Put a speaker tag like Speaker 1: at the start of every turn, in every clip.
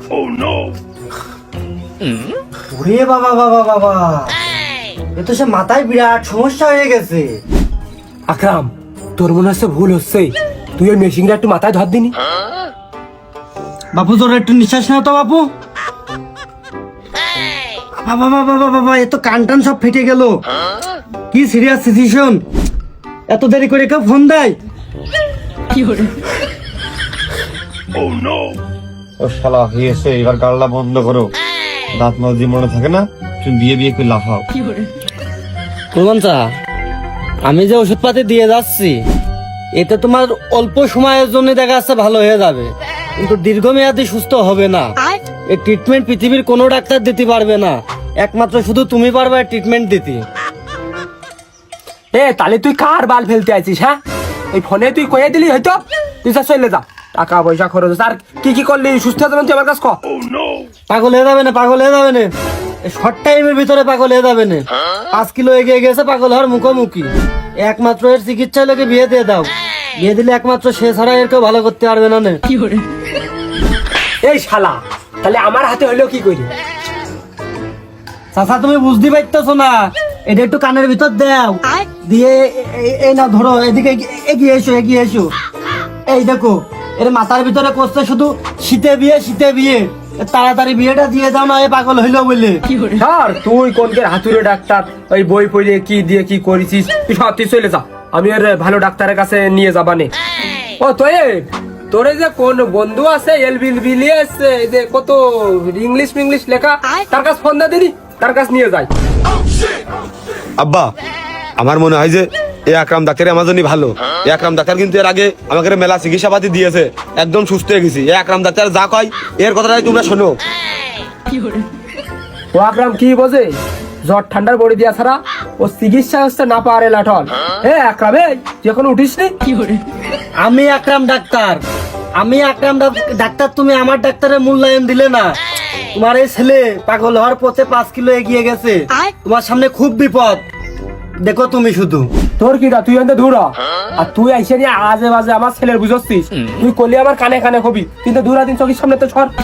Speaker 1: ওরে বাবা বাবা বাবা, এ তো সে মাথায় বিরাট সমস্যা হয়ে গেছে।
Speaker 2: আকরাম, তোর মনে হচ্ছে ভুল হচ্ছে, তুই ওই মেশিনটা একটু মাথায় ধর দিনি।
Speaker 1: বাপু তোর একটু নিঃশ্বাস নাও তো বাপু। বাবা বাবা বাবা বাবা, এ তো কান টান সব ফেটে গেল। কি সিরিয়াস সিচুয়েশন, এত দেরি করে কেউ ফোন দেয়?
Speaker 3: ও শালা হয়েছে, এবার গাল্লা বন্ধ করো। দাঁত মাজি মনে থাকে না, তুমি বিয়ে বিয়ে করে লাফাও।
Speaker 1: কুলমানসা, আমি যে ওষুধপাতি দিয়ে যাচ্ছি এতে তোমার অল্প সময়ের জন্য দেখা যাচ্ছে ভালো হয়ে যাবে, কিন্তু দীর্ঘমেয়াদী সুস্থ হবে না। এই ট্রিটমেন্ট পৃথিবীর কোনো ডাক্তার দিতে পারবে না, একমাত্র শুধু তুমি পারবে ট্রিটমেন্ট দিতে।
Speaker 2: এ তাহলে তুই কার বাল ফেলতে আছিস? হ্যাঁ, এই ফোনে তুই কয়ে দিলি হয়তো, তুই যা চলে যা, টাকা পয়সা খরচ আর কি কি করলি সুস্থ হয়ে যাবেন তুই আমার কাছে ক।
Speaker 1: পাগল হয়ে যাবে না, পাগল হয়ে যাবে না, শর্ট টাইমের ভিতরে পাগল হয়ে যাবে না। 5 কিলো এগিয়ে গেছে পাগল হওয়ার মুখোমুখি। একমাত্র এর চিকিৎসা লোকে বিয়ে দিয়ে দাও, বিয়ে দিলে একমাত্র সে ছাড়া এর কেউ ভালো করতে পারবে না।
Speaker 2: এই শালা, তাহলে আমার হাতে হইলো কি করি?
Speaker 1: চাচা তুমি বুঝতে পারতেছো না, এটা একটু কানের ভিতর দাও, দিয়ে এই না ধরো, এদিকে এগিয়ে এসো, এগিয়ে এসো। এই দেখো, এর মাথার ভিতরে করছে শুধু শীতে বিয়ে, শীতে বিয়ে। তাড়াতাড়ি বিয়েটা দিয়ে দাও না, এ পাগল হইলো বলে।
Speaker 2: স্যার তুই কোনকের হাতুড়ে ডাক্তার, ওই বই পড়ে কি দিয়ে কি করেছিস, তুই সব তুই চলে যা, আমি আর ভালো ডাক্তারের কাছে নিয়ে যাবানে। ও তো তোরে যে কোন বন্ধু আছে এলবিলিয়াস, এই যে কত ইংলিশ ইংলিশ লেখা, তার কাছে ফোন দে দিনি, তার কাছে নিয়ে যাই।
Speaker 3: আব্বা, আমার মনে হয় যে এই আকরাম ডাক্তার আমার জন্য ভালো। এই আকরাম ডাক্তার কিন্তু এর আগে আমাকে মেলা চিকিৎসা পাতি দিয়েছে, একদম সুস্থ হয়ে গেছি। এই আকরাম ডাক্তার যা কয় এর কথাটাই তোমরা শোনো।
Speaker 2: ও আকরাম কি বোঝে? জ্বর ঠান্ডার বড়ি দিয়া ছাড়া ও চিকিৎসা হচ্ছে না পারে লাঠন। আকরাম, তুই এখন উঠিস নি?
Speaker 1: আমি আকরাম ডাক্তার, আমি আকরাম ডাক্তার, তুমি আমার ডাক্তারের মূল্যায়ন দিলে না। তোমার এই ছেলে পাগল হওয়ার পথে 5 কিলো এগিয়ে গেছে, তোমার সামনে খুব বিপদ। দেখো তুমি শুধু।
Speaker 2: তোর কিটা, তুই এনে দূর হ। আর তুই আইসে নিয়ে আজে বাজে আমার ছেলের বুঝছিস, তুই করলি আমার কানে কানে কবি, কিন্তু দূরা দিন চোখের সামনে তো সর।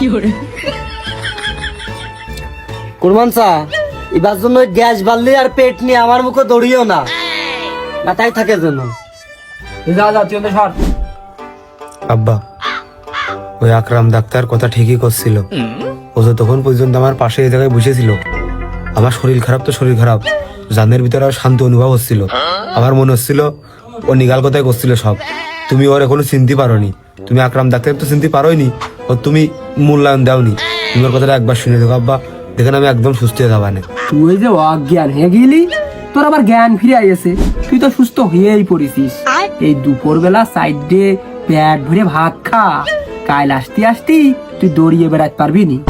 Speaker 1: কুরমানসা, এবার জন্য গ্যাস বাড়লি আর পেট নিয়ে আমার মুখে দৌড়িও না, মাথায় থাকে যেন।
Speaker 2: যা যা, তুই এনে সর।
Speaker 3: আব্বা, ওই আকরাম ডাক্তার কথা ঠিকই করছিল। ও যে তখন পর্যন্ত আমার পাশে এই জায়গায় বসেছিল, আমার শরীর খারাপ তো শরীর খারাপ, জানের ভিতরে আর শান্তি অনুভব হচ্ছিল। আমার মনে হচ্ছিল ও নিগাল কথাই করছিল সব। তুমি ওর এখনো চিনতে পারোনি, তুমি আকরাম ডাক্তার তো চিনতে পারোইনি, ও তুমি মূল্যায়ন দাওনি। তুমি ওর কথাটা একবার শুনে দেখো আব্বা, দেখেন আমি একদম সুস্থ হয়ে যাবানে।
Speaker 2: তুই যে অজ্ঞান হয়ে গেলি, তোর আবার জ্ঞান ফিরে আইছে, তুই তো সুস্থ হয়েই পড়েছিস। এই দুপুর বেলা সাইডে পেট ভরে ভাত খা, কাল আসতে আসতে তুই দৌড়িয়ে বেড়াতে পারবি নি।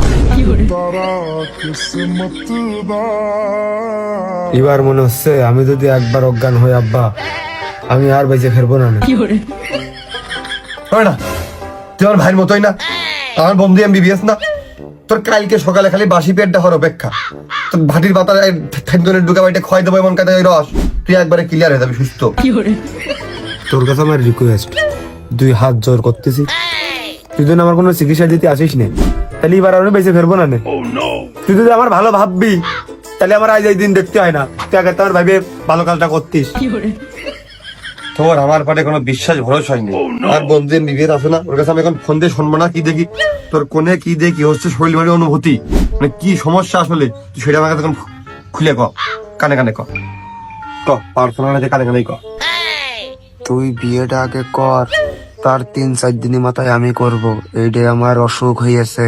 Speaker 3: এবার মনে হচ্ছে আমি যদি একবার অজ্ঞান হই আব্বা, আমি আর বেঁচে ফিরবো না।
Speaker 4: হয় না, তুই আমার ভাইয়ের মতোই না, আমার বন্ধু এমবিবিএস না। তোর কালকে সকালে খালি বাসি পেট দেখার অপেক্ষা, তোর ভাটির পাতা ঢুকা বাড়িতে খয় দেবো এমন কাজে রস, তুই একবারে ক্লিয়ার হয়ে যাবি সুস্থ।
Speaker 3: তোর কাছে আমার রিকোয়েস্ট, 2 হাত জোর করতেছি, তুই যদি আমার কোনো চিকিৎসা দিতে আসিস না, তাহলে এবার আমি বেঁচে ফিরবো না। তুই যদি আমার ভালো ভাববি, তাহলে আমার আজ এই দিন দেখতে হয় না, তুই আগে তোমার ভাইবে ভালো কাজটা করতিস।
Speaker 4: তোর আমার পাটে কোনো বিশ্বাস ভরসা হয়নি। আর বন্ধু এমবিবিএস আছে না, ওর কাছে আমি এখন ফোন দিয়ে শুনবো না, কি দেখি তোর কোনে কি দেখি কি হচ্ছে শরীর বাড়ির অনুভূতি, মানে কি সমস্যা আসলে, তুই সেটা আমাকে তখন খুলে ক, কানে কানে ক, পার্সোনাল কানে কানেই ক।
Speaker 5: তুই বিয়েটা আগে কর, তার 3-4 দিনের মাথায় আমি করব, এইটাই আমার অসুখ হয়েছে।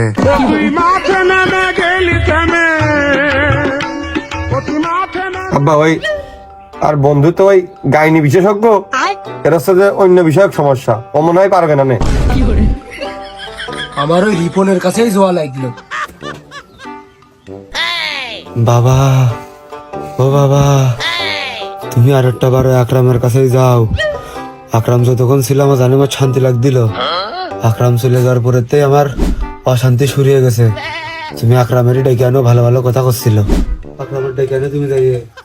Speaker 4: আব্বা ওই আর বন্ধু তো ওই গাইনি বিশেষজ্ঞ, এর হচ্ছে যে অন্য বিষয়ক সমস্যা, ও মনে হয় পারবে না।
Speaker 2: আমার ওই রিপনের কাছেই জোয়া লাগলো।
Speaker 3: বাবা, ও বাবা, তুমি আর একটা বার আকরামের কাছেই যাও। আকরাম যতক্ষণ ছিল আমার জানে আমার শান্তি লাগছিল, আকরাম চলে যাওয়ার পরেতেই আমার অশান্তি শুরু হয়ে গেছে। তুমি আকরামেরই ডেকে আনো, ভালো ভালো কথা করছিল, আকরামের ডেকে আনো তুমি যাইয়ে।